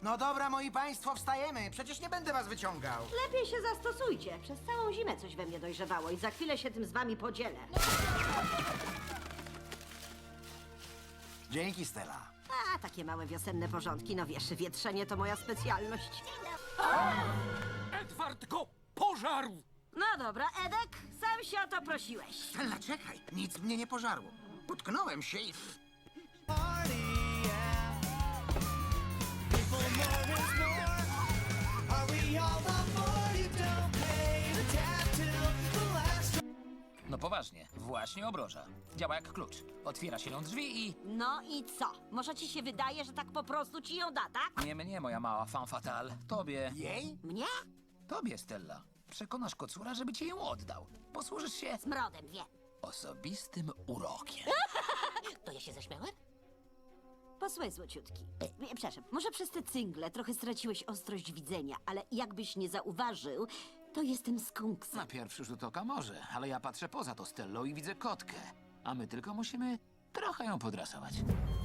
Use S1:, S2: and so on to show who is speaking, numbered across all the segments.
S1: No dobra, moi państwo, wstajemy. Przecież nie będę was wyciągał.
S2: Lepiej się zastosujcie. Przez całą zimę coś we mnie dojrzewało i za chwilę się tym z wami podzielę.
S1: Dzięki, Stella.
S2: A, takie małe wiosenne porządki, no wiesz, wietrzenie to moja specjalność.
S3: Edward go pożarł!
S2: No dobra, Edek, sam się o to prosiłeś.
S1: Stella, czekaj. Nic mnie nie pożarło. Utknąłem się i...
S4: party, yeah. People more is more. Are we all the more you don't pay the tab till the last
S3: No poważnie, właśnie obroża. Działa jak klucz. Otwiera się ją drzwi i...
S2: No i co? Może ci się wydaje, że tak po prostu ci ją da, tak?
S3: Nie mnie, moja mała femme fatale. Tobie.
S1: Jej?
S2: Mnie?
S3: Tobie, Stella. Przekonasz kocura, żeby ci ją oddał. Posłużysz się
S2: Smrodem, wiem.
S3: osobistym urokiem.
S2: To ja się zaśmiałem? Posłuchaj, złociutki. Przepraszam, może przez te cyngle trochę straciłeś ostrość widzenia, ale jakbyś nie zauważył, to jestem skunksem.
S3: Na pierwszy rzut oka może, ale ja patrzę poza to Stellą i widzę kotkę. A my tylko musimy trochę ją podrasować.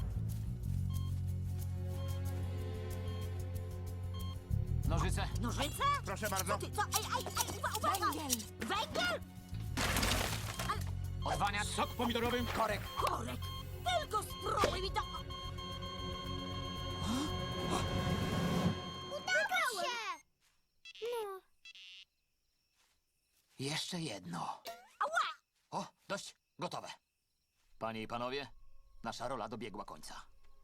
S3: Nożyce.
S2: Nożyce?
S1: Proszę bardzo.
S2: Co ty, co? Uwaga! Węgiel! Węgiel?
S3: Odwaniacz.
S5: Sok pomidorowy.
S1: Korek.
S2: Korek! Tylko spróbuj mi to...
S6: Udało się! No.
S3: Jeszcze jedno.
S2: Ała!
S3: O, dość. Gotowe. Panie i panowie, nasza rola dobiegła końca.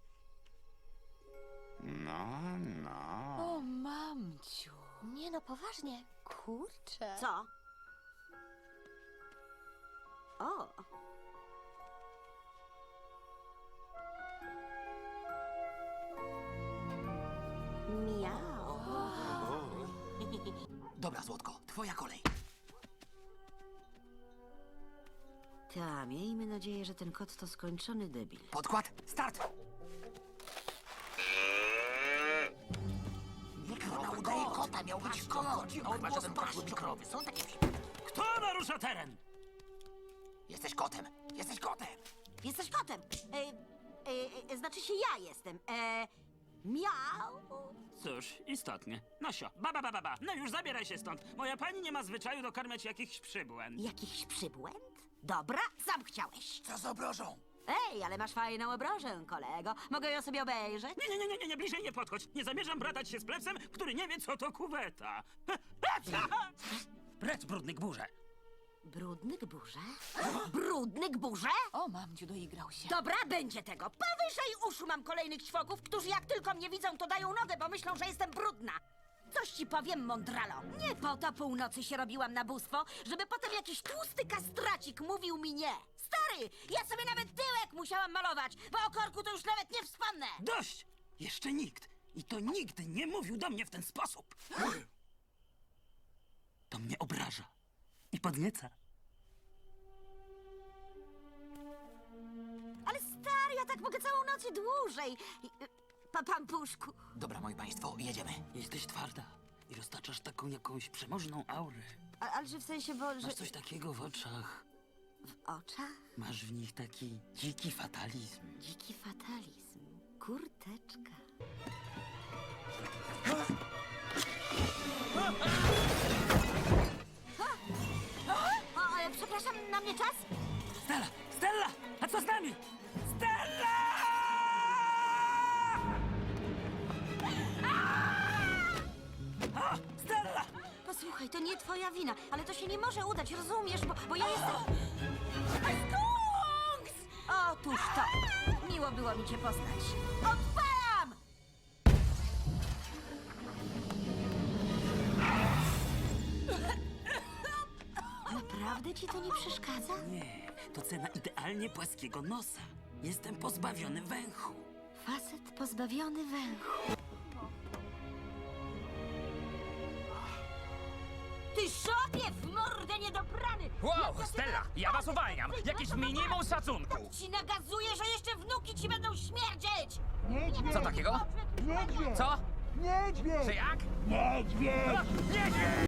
S6: O, mamciu. Nie no, poważnie. Kurczę.
S2: Co? O! Miau.
S3: Dobra, Złotko, twoja kolej.
S2: Ta, miejmy nadzieję, że ten kot to skończony debil.
S3: Podkład, start!
S1: Ona udaje kota, miał być kot. Chyba, że ten kot mikrowy. Są takie...
S5: Kto narusza teren?
S1: Jesteś kotem. Jesteś kotem.
S2: Jesteś kotem! Znaczy się ja jestem. Miau.
S5: Cóż, istotnie. Nosio, ba. No już zabieraj się stąd. Moja pani nie ma zwyczaju dokarmiać jakichś przybłęd.
S2: Jakiś przybłęd? Dobra, sam chciałeś.
S1: Co z obrożą?
S2: Ej, ale masz fajną obrożę, kolego. Mogę ją sobie obejrzeć?
S5: Nie, bliżej nie podchodź. Nie zamierzam bratać się z plebsem, który nie wie, co to kuweta. Precz, brudny gburze.
S2: Brudny gburze? Brudny gburze?
S6: O, mamciu, doigrał się.
S2: Dobra, będzie tego. Powyżej uszu mam kolejnych ćwoków, którzy jak tylko mnie widzą, to dają nogę, bo myślą, że jestem brudna. Coś ci powiem, mądralo. Nie po to północy się robiłam na bóstwo, żeby potem jakiś tłusty kastracik mówił mi nie. Stary, ja sobie nawet tyłek musiałam malować, bo o korku to już nawet nie wspomnę.
S5: Dość! Jeszcze nikt, i to nigdy nie mówił do mnie w ten sposób. To mnie obraża i podnieca.
S2: Ale stary, ja tak mogę całą noc i dłużej. Pampuszku.
S3: Dobra, moi państwo, jedziemy.
S5: Jesteś twarda i roztaczasz taką jakąś przemożną aurę.
S2: Ale że w sensie, bo... Że...
S5: Masz coś takiego w oczach.
S2: W oczach?
S5: Masz w nich taki dziki fatalizm.
S2: Dziki fatalizm. Kurteczka. Przepraszam, na mnie czas?
S5: Stella! A co z nami? Stella! Stella!
S2: Posłuchaj, to nie twoja wina, ale to się nie może udać, rozumiesz? Bo ja jestem... Skunks! Otóż to. Miło było mi cię poznać. Odpalam! Naprawdę ci to nie przeszkadza?
S5: Nie, to cena idealnie płaskiego nosa. Jestem pozbawiony węchu.
S2: Facet pozbawiony węchu. Ty szopie w mordę niedobrany!
S7: Wow, Stella, ja was uwalniam! Jakieś minimum szacunku!
S2: Ci nagazuję, że jeszcze wnuki ci będą śmierdzieć!
S7: Co takiego? Co?
S4: Niedźwiedź!
S7: Czy jak?
S4: Niedźwiedź!
S7: Niedźwiedź!